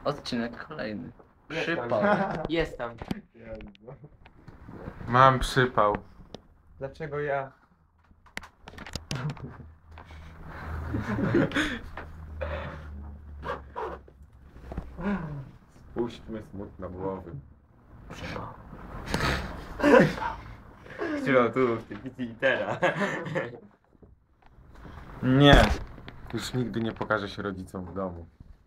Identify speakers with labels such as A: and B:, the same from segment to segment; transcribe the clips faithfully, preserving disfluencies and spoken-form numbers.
A: Odcinek kolejny.
B: Jest tam.
A: Przypał.
B: Jest tam.
C: Mam przypał.
B: Dlaczego ja?
C: Spuśćmy smutno głowy.
B: Którą tu w tej litera.
C: Nie. Już nigdy nie pokażę się rodzicom w domu.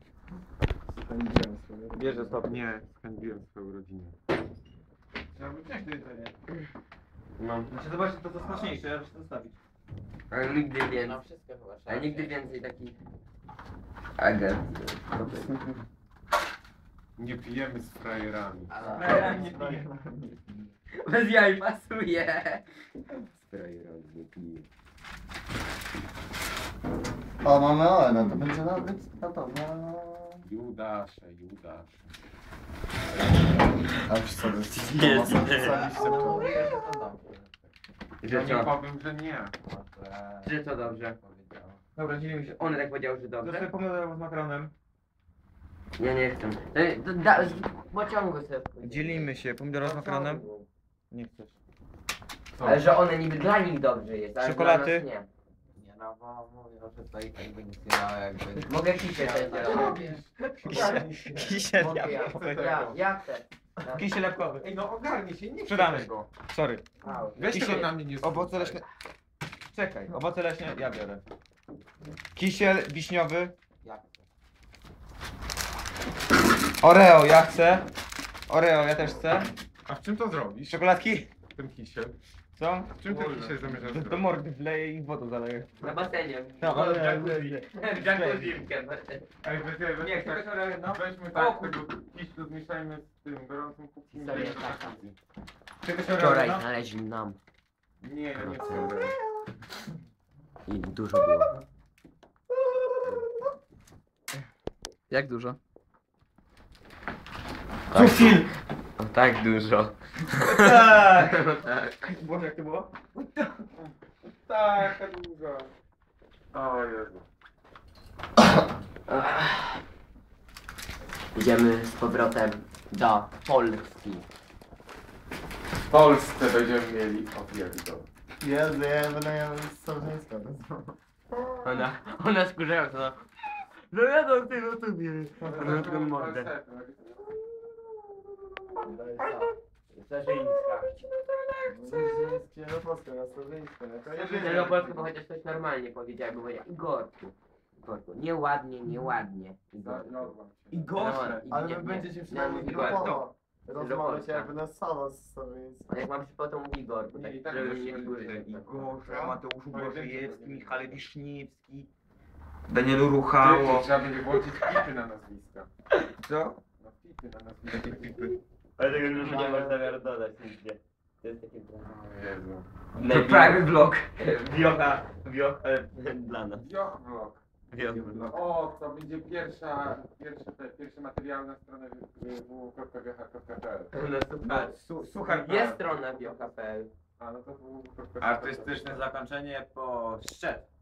B: Bierze sobie.
C: Nie, spędziłem swoją rodzinę.
D: Trzeba by wziąć to jedzenie.
B: No.
D: Znaczy zobaczcie, to co smaczniejsze, ja muszę to zostawić.
B: Ale nigdy więcej.
A: No wszystko chyba trzeba
B: Ale nigdy
A: wziąć.
B: więcej takich agent.
C: Nie pijemy z frajerami.
A: Ale-
D: Nie piję.
B: Bez jaj pasuje. Z frajerami nie piję.
E: O, mamy Oena, to będzie nawet na to, no...
C: Judasze, Judasze.
E: A już sobie
B: Jest.
A: No mówię, że to dobrze.
B: Że
C: Ja
B: co?
C: nie powiem, że nie.
B: Że co dobrze?
A: Powiedziałem.
D: Dobra, dzielimy się.
B: On tak powiedział, że
D: To sobie
B: dobrze.
D: pomidor z makaronem.
B: Ja nie chcę. To, to da, z pociągu sobie.
D: Dzielimy się, pomidor z makaronem. Nie chcesz.
C: Co?
B: Ale że one niby dla nich dobrze jest, ale
D: Czekolady?
B: dla nas nie.
A: Nie no, bo mówię, że to i tak by nic nie dało jakby...
B: Mogę kisiel będzie robić.
D: Kisiel
B: Mogę ja.
D: jabłkowy.
B: Ja, ja chcę. Ja.
D: Kisiel jabłkowy.
C: Ej, no ogarnij się, nie
D: Sprzedamy.
C: chcę tego.
D: Sorry.
B: Au.
C: Weź
D: Kisiel-
C: tego na mnie nie
D: Owoce
C: zrzucaj.
D: leśne. Czekaj, owoce leśne ja biorę. Kisiel wiśniowy.
A: Jak?
D: Oreo ja chcę. Oreo ja też chcę.
C: A w czym to zrobisz?
D: Czekoladki?
C: Ten kisiel.
D: Co?
C: W czym ten kisiel zamierzasz
D: Do,
C: zrobić?
D: do mordy wleję i wodą zaleję.
B: Na basenie.
D: No,
B: w
D: ale-
B: jacuzzi. W jacuzzi.
C: Ej, weź, weź,
B: Nie,
C: weź,
B: chcesz Oreo, no?
C: weźmy
B: O,
C: tak, tego kiślu zmieszajmy z tym gorącym kubkiem.
B: Historia
C: i-
B: taka.
D: Czegoś Oreo,
B: Wczoraj
D: no?
B: znaleźli nam.
C: Nie, ja nie chcę.
B: I dużo było.
A: Jak dużo?
D: Kufil!
B: No tak dużo.
D: Tak!
B: No tak.
D: Boże, jak to było?
C: Tak, długo. O Jezu.
B: Idziemy z powrotem do Polski.
C: W Polsce będziemy mieli opierdol.
E: Jezu, ja będę miał słownictwo.
B: Ona, ona skurzająca, no. No jadą ty na tobie. Ona taką mordę. Starzyńska.
E: No polskie, na słownictwo, no
B: Nie no Polskę, bo chociaż coś normalnie powiedziałem, bo powiedział Igorku. Igorku, nieładnie, nieładnie. Igorku.
E: I
B: gorsze.
E: Ale
B: Nie,
E: wy
B: nie,
E: będziecie
B: nie,
E: przynajmniej
B: nie, Igorku.
E: grupowo rozmawiać
B: Polska.
E: jakby na solo z słownictwo.
B: A jak mam przypał, to mówi Igorku, tak,
C: Nie, i tak
B: żeby
C: musimy
B: nie figury.
D: Igorze, Mateuszu Bożejewski,
C: Pojedynczy
D: Michale Wiszniewski, Danielu Ruchało.
C: Trzeba będzie włączyć pipy na nazwiska.
D: Co?
C: No pipy na nazwiska. Pipy.
B: Ale tego już nie masz zamiaru dodać nigdzie. To jest takie...
C: O Jezu.
B: To private vlog. Wiocha, wiocha dla nas.
C: Jochblok.
B: Wiocha.
C: No, o, to będzie pierwsza, pierwsze, te, pierwszy materiał na stronę w w kropka g h kropka p l.
B: No super.
D: Su- Słuchaj,
B: Jest strona wiocha kropka p l.
C: A no to w kropka
F: Artystyczne zakończenie po szczep.